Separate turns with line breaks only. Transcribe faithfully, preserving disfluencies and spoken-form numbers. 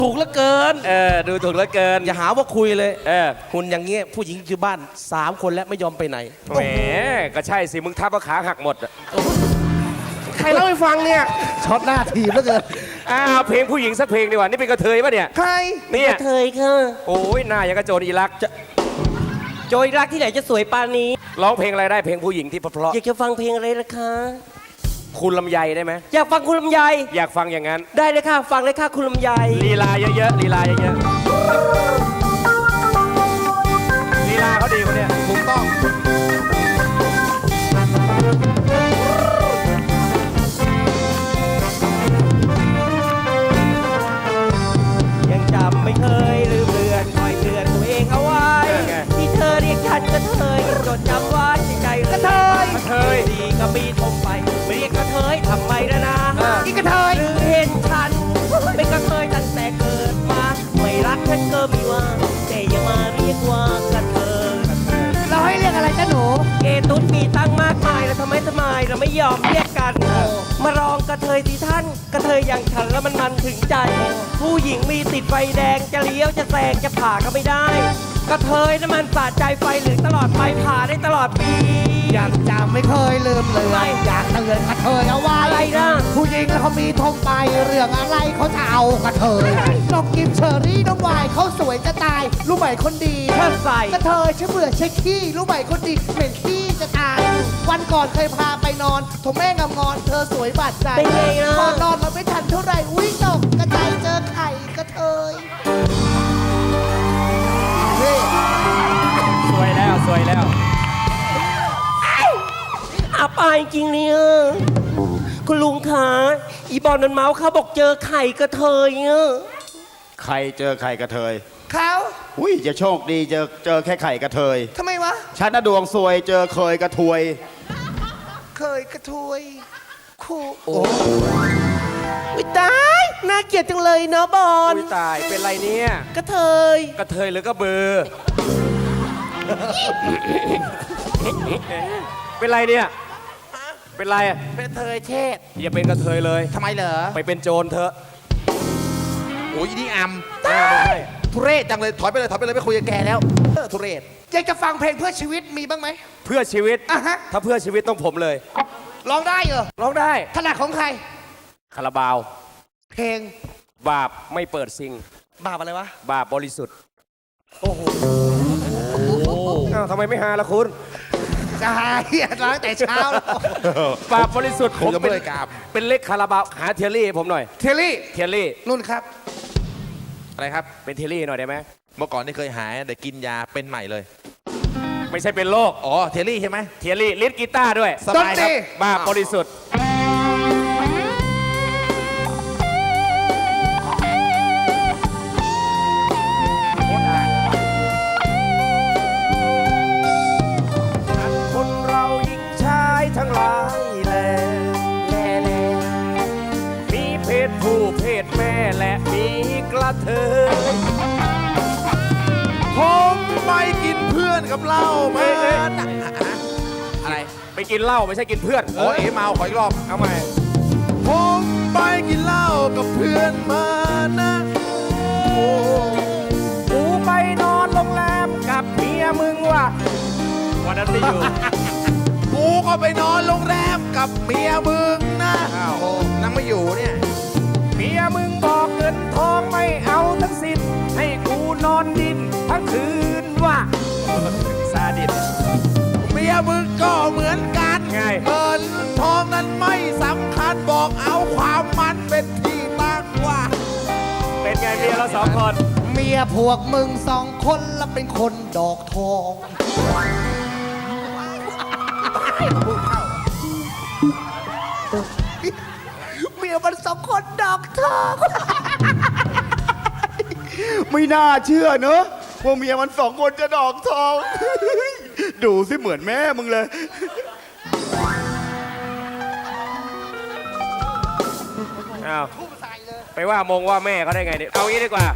ถูกเหลือเกิน
เออดูถูกเหลือเกิน
อย่าหาว่าคุยเลย
เออ
หุ่นอย่างเงี้ยผู้หญิงอยู่บ้านสามคนแล้วไม่ยอมไปไหน
แหมก็ใช่สิมึงทับว่าขาหักหมดอะ
ใครเล่าให้ฟังเนี่ย
ช็อตหน้าทีมแล้วเกิน
อ้าวเพลงผู้หญิงสักเพลงดีกว่านี่เป็นกระเทยปะเนี่ย
ใคร
เนี่ย
เธยค่ะ
โอ้ยหน้ายังกระโจนอีรักจะ
โจยรักที่ไหนจะสวยปานนี้
ร้องเพลงอะไรได้เพลงผู้หญิงที่เพราะ
อยากจะฟังเพลงอะไรล่ะคะ
ๆคุณลำไยได้ไหม
อยากฟังคุณลำไย
อยากฟังอย่างนั้น
ได้เลยค่ะ ฟังเลยค่ะคุณลำไย
ลีลาเยอะๆลีลาเยอะๆลีลาเขาดีคนเนี้ย
ถูกต้อง
ยังจำไม่เคยลืมเลือนคอยเตือนตัวเองเอาไว้ ที่เธอเรียกฉันกระเทยจดจำไว้ในใจเลยกระเทย
กระเทย
ดีก็มีทมไปไม่เรียกกระเทยทำไมนะนะ
อีกกระเทย
หรือเห็นฉันเป็นกระเทยตั้งแต่เกิดมา ไม่รักฉันก็มีว่าแต่อย่ามาเรียกว่ากระเทย
เราให้เรียกอะไรจ้าหนู
เกตุดมีตั้งมากมายแล้วทำไมทำไมเราไม่ยอมเรียกกัน มารองกระเทยที่ท่าน กระเทยอย่างฉันแล้วมันมันถึงใจ ผู้หญิงมีติดไฟแดงจะเลี้ยวจะแซงจะผ่าก็ไม่ได้ กระเทยน้ำมันสาดใจไฟเหลืองตลอดไปผ่าได้ตลอดปี
ยังจำไม่เคยลืมเลยอยากเตือนกระเทยเอาไว้
อะไรนะ
ผู้หญิงแล้วเขามีทงไปเรื่องอะไรเขาจะเอากระเทยน้องกิมเชอรี่น้องวายเขาสวยจะตายรู้ไหมคนดี
เชิดใส่
กระเทยฉันเบื่อเช็คขี้รู้ไหมคนดีเหม็นขี้จะตาย วันก่อนเคยพาไปนอนโถแม่งามงอนเธอสวยบาดใจ
เป็นไงนะ
พอนอนมาไม่ทันเท่าไหร่อุ้ยตกกระจายเจอไข่กระเทยนี่
สวยแล้วสวยแล้ว
อับอายจริงเนี่ยคุณลุงคะอีบอลนันเมาส์เขาบอกเจอไข่กระเทยอะ
ใครเจอไข่กระเทย
เขา
อุ้ยจะโชคดีเจอเจอแค่ไข่กระเทย
ทำไมวะ
ฉันน่ะดวงซวยเจอเคยกระทวย
เคยกระทวยคู่
โอ้ยตายน่าเกลียดจังเลยเนาะบอล
อุ้ยตายเป็นไรเนี่ย
กระเทย
กระเทยหรือกระเบือ เป็นไรเนี่ย เป็นไรอะ
เป็นเทยเชษ
อย่าเป็นกระเทยเลย
ทำไมเหรอ
ไปเป็นโจรเถอะ
โอ้ยนี่อัม
ไม่ใช่
ทุเรศจังเลยถอยไปเลยถอยไปเลยไม่คุยกับแกแล้วเออทุเรศ
อยากจะฟังเพลงเพื่อชีวิตมีบ้างไหม
เพื่อชีวิต
อ่ะฮะ
ถ้าเพื่อชีวิตต้องผมเลย
ร้องได้เหรอ
ร้องได้
ถนัดของใคร
คาราบาว
เพลง
บาปไม่เปิดซิง
บาปอะไรวะ
บาปบริสุทธิ์ โอ้โหอ้าวทำไมไม่หาล่ะคุณ
จะหายร้องแต่เช้าแล้ว
บาปบริสุทธิ์
ผมยังไม่
เป็น
ได้กราบ
เป็นเล็กคาราบาวหาเทียรี่ให้ผมหน่อย
เทลลี่
เทียรี่
นุ่นครับ
อะไรครับ
เป็นเทียรี่หน่อยได้ไหม
เมื่อก่อนนี่เคยหายแต่กินยาเป็นใหม่เลย
ไม่ใช่เป็นโรค
อ๋อเทลลี่ใช่ไหม
เทียรี่ลิ้นกีตาร์ด้วย
สบายครับ
บาปบริสุทธิ์คนเราหญิงชายทั้งหลายแลแลแลมีเพศผู้เพศแม่และมีกระเทย
ผมไปกินเพื่อนกับเหล้ามา
เอ้ย
อะไร
ไปกินเหล้าไม่ใช่กินเพื่อน
โอ้ยเมาขออีกรอบ
เอาใหม่
ผมไปกินเหล้ากับเพื่อนมานะโอ้
กูไปนอนโรงแรมกับเมียมึงว่ะวันนั้นไม่อยู่
กูก็ไปนอนโรงแรมกับเมียมึงนะ
อ้าว
โอ้นั่งไม่อยู่เนี่ย
เมียมึงบอกเงินทองไม่เอาทั้งสิ้นให้กูนอนดินทั้งคืนว่ะซาดิส
เมียมึงก็เหมือนกัน
ไง
เงินทองนั้นไม่สำคัญบอกเอาความมันเป็นที่ตั้งว่า
เป็นไงเมียเราสองคน
เมียพวกมึงสองคนแล้วเป็นคนดอกทอง เมียมันสองคนดอกทอง
ไม่น่าเชื่อเนอะว่าเมียมันสองคนจะดอกทอง ดูสิเหมือนแม่มึงเลย
อ้าวไปว่ามงว่าแม่เขาได้ไงเนี่ยเอางี้ดีกว่า